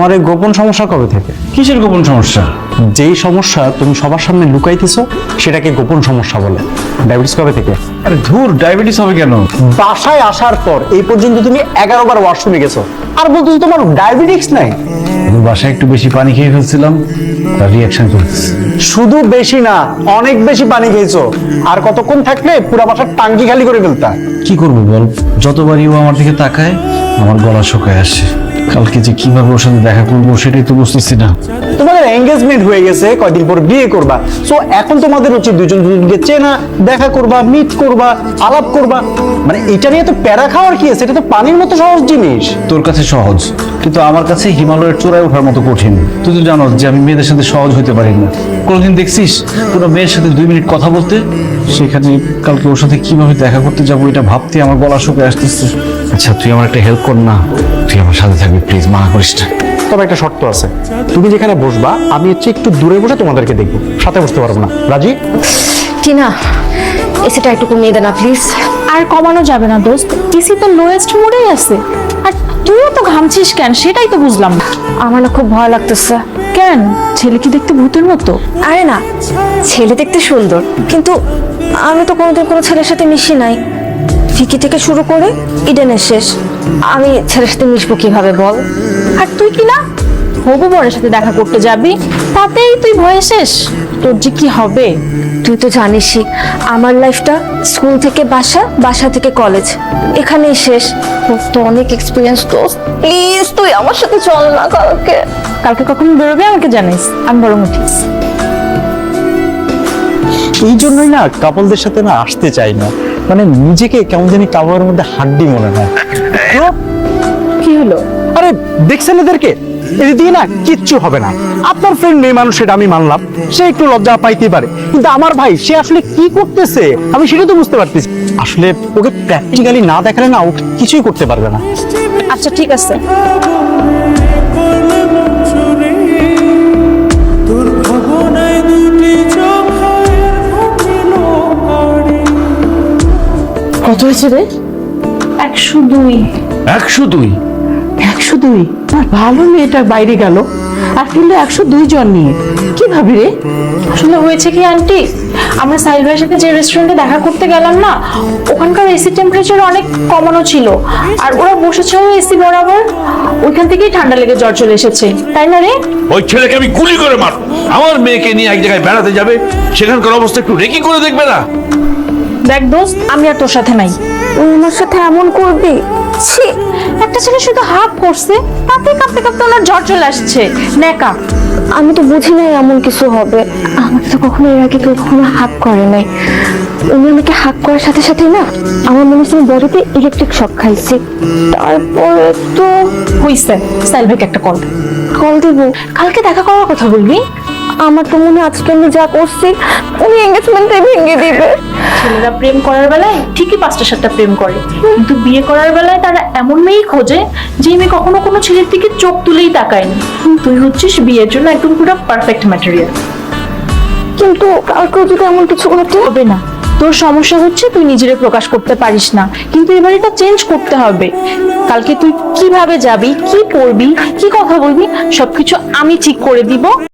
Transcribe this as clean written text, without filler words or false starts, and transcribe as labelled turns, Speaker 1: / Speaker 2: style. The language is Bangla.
Speaker 1: তোমার এই গোপন সমস্যা কবে থেকে?
Speaker 2: কিসের গোপন সমস্যা?
Speaker 1: যেই সমস্যা তুমি সবার সামনে লুকাইতেছো সেটাকে গোপন সমস্যা বলে। ডায়াবেটিস কবে থেকে?
Speaker 2: আরে ধুর, ডায়াবেটিস হবে কেন?
Speaker 1: বাসায় আসার পর এই পর্যন্ত তুমি 11 বার ওয়াশরুমে গেছো আর বলতেছো তোমার ডায়াবেটিস নাই।
Speaker 2: আমি বাসায় একটু বেশি পানি খেয়ে ফেলছিলাম, তার রিয়াকশন চলছে।
Speaker 1: শুধু বেশি না, অনেক বেশি পানি খেয়েছো। আর কতক্ষণ থাকলে পুরো বাসার টাঙ্কি খালি করে ফেলতা।
Speaker 2: কি করবো বল, যতবারই ও আমার দিকে তাকায় আমার গলা শুকায় আসে। কালকে যে কিভাবে ওর সাথে দেখা করবো সেটাই তো বুঝতেছি না।
Speaker 1: তোমাদের এঙ্গেজমেন্ট হয়ে গেছে, কয়দিন পর বিয়ে করবা। সো এখন তোমাদের উচিত দুজন দুজনকে চেনা, দেখা করবা, মিট করবা, আলাপ করবা। মানে এটা নিয়ে তো প্যারা খাওয়ার কি আছে? এটা তো পানির মতো সহজ জিনিস।
Speaker 2: তোর কাছে সহজ, কিন্তু আমার কাছে হিমালয়ের চূড়ায় ওঠার মতো কঠিন। তুই তো জানোস যে আমি মেয়েদের সাথে সহজ হতে পারি না। কোনোদিন দেখছিস কোনো মেয়ের সাথে 2 মিনিট কথা বলতে? সেখানে কালকে ওর সাথে কিভাবে দেখা করতে যাবো এটা ভাবতে আমার গলা শুকিয়ে আসতেছে। আচ্ছা তুই আমার একটা হেল্প কর না, তুই আমার সাথে থাকবি প্লিজ, মানা করিস না।
Speaker 1: তবে একটা শর্ত আছে, তুমি যেখানে বসবা আমি হচ্ছে একটু দূরে বসে তোমাদেরকে দেখবো, সাথে বসতে পারবো না। রাজি?
Speaker 3: টিনা, এসিটা একটু কমিয়ে দে না প্লিজ।
Speaker 4: আর কমানো যাবে না দোস্ত, এসি তো লোয়েস্ট মোডেই আছে। আর তুইও তো ঘামছিস কেন সেটাই তো বুঝলাম না।
Speaker 3: আমার না খুব ভয় লাগতেছে।
Speaker 4: কেন, ছেলে কি দেখতে ভূতের মতো?
Speaker 3: আরে না, ছেলে দেখতে সুন্দর, কিন্তু আমি তো কোনোদিন কোনো ছেলের সাথে মিশি নাই। ফিকি থেকে শুরু করে ইডেনের শেষ, আমি ছেলের সাথে মিশবো কিভাবে বল?
Speaker 4: আর তুই কি না হবু বরের সাথে দেখা করতে যাবি, তাতেই তুই ভয়ে শেষ। তোর যে কি হবে?
Speaker 3: তুই তো জানিসই আমার লাইফটা স্কুল থেকে বাসা, বাসা থেকে কলেজ, এখানেই শেষ। তোর তো অনেক এক্সপিরিয়েন্স। তো প্লিজ তুই আমার সাথে চল না কালকে।
Speaker 4: কালকে কখন বেরোবে আমাকে জানিস, আমি বরং উঠি।
Speaker 1: এই জন্যই না কাপলদের সাথে না আসতে চাই না। মানে নিজেকে কেমন জানি কাপড়ের মধ্যে হাড্ডি মনে হয়।
Speaker 4: কি হলো?
Speaker 1: আরে দেখছেন এদেরকে, এদের দিয়ে না কিচ্ছু হবে না। আপনার ফ্রেন্ড মেয়ে মানুষ, সেটা আমি মানলাম, সে একটু লজ্জা পাইতেই পারে, কিন্তু আমার ভাই সে আসলে কি করতেছে আমি সেটা তো বুঝতে পারতেছি। আসলে ওকে প্র্যাকটিক্যালি না দেখালে না ও কিছুই করতে পারবে না।
Speaker 4: আচ্ছা ঠিক আছে,
Speaker 5: কত হয়েছে রে?
Speaker 4: 102।
Speaker 2: 102?
Speaker 5: 102? আর ভালো মেয়েটা বাইরে গেল আর ফিরলো 102 জন নিয়ে। কি ভাবি রে?
Speaker 4: আসলে হয়েছে কি আন্টি, আমরা সাহিল ভাইয়ের সাথে যে রেস্টুরেন্টে দেখা করতে গেলাম না, ওখানকার এসি টেম্পারেচার অনেক কমানো ছিল। আর ওরা বসেছিল এসি বরাবর, ওইখান থেকেই ঠান্ডা লেগে জ্বর চলে এসেছে, তাই না রে?
Speaker 6: ওই ছেলেকে আমি গুলি করে মার। আমার মেয়েকে নিয়ে এক জায়গায় বেড়াতে যাবে, সেখানকার অবস্থা একটু রেকি করে দেখবে না?
Speaker 4: দেখ দোস্ত, আমি আর তোর সাথে নাই।
Speaker 3: তুই আমার সাথে এমন করবি? ছি,
Speaker 4: একটা ছেলে শুধু হাফ করছে, তাতে কাঁপতে কাঁপতে ওনার জ্বর চলে আসছে। নেকা।
Speaker 3: আমি তো বুঝি নাই এমন কিছু হবে। আমাকে তো কখনো এর আগে কেউ কখনো হাক করে নাই। উনি আমাকে হাক করার সাথে সাথে না আমার মনে হচ্ছে বডিতে ইলেকট্রিক শক খাইছি। তারপরে তো
Speaker 4: হইছে, সাহিল ভাইকে একটা কল।
Speaker 3: কল দিব।
Speaker 4: কালকে দেখা করার কথা বলবি।
Speaker 3: আমার তো মনে হয় আজকে আমি যা করছি উনি এঙ্গেজমেন্টে ভেঙে দিবে।
Speaker 4: ছেলেরা প্রেম করার বেলায় ঠিকই 5টা-7টা প্রেম করে, কিন্তু বিয়ে করার বেলায় তারা এমন মেয়েই খোঁজে যে মেয়ে কখনো কোনো ছেলের দিকে চোখ তুলেই তাকায়নি। তুই হচ্ছিস বিয়ের জন্য একদম পুরো পারফেক্ট ম্যাটেরিয়াল।
Speaker 3: কিন্তু কালকেও যদি এমন কিছু ঘটে?
Speaker 4: হবে না, তোর সমস্যা হচ্ছে তুই নিজেরে প্রকাশ করতে পারিস না, কিন্তু এবার এটা চেঞ্জ করতে হবে। কালকে তুই কিভাবে যাবি, কি পড়বি, কি কথা বলবি, সবকিছু আমি ঠিক করে দিব।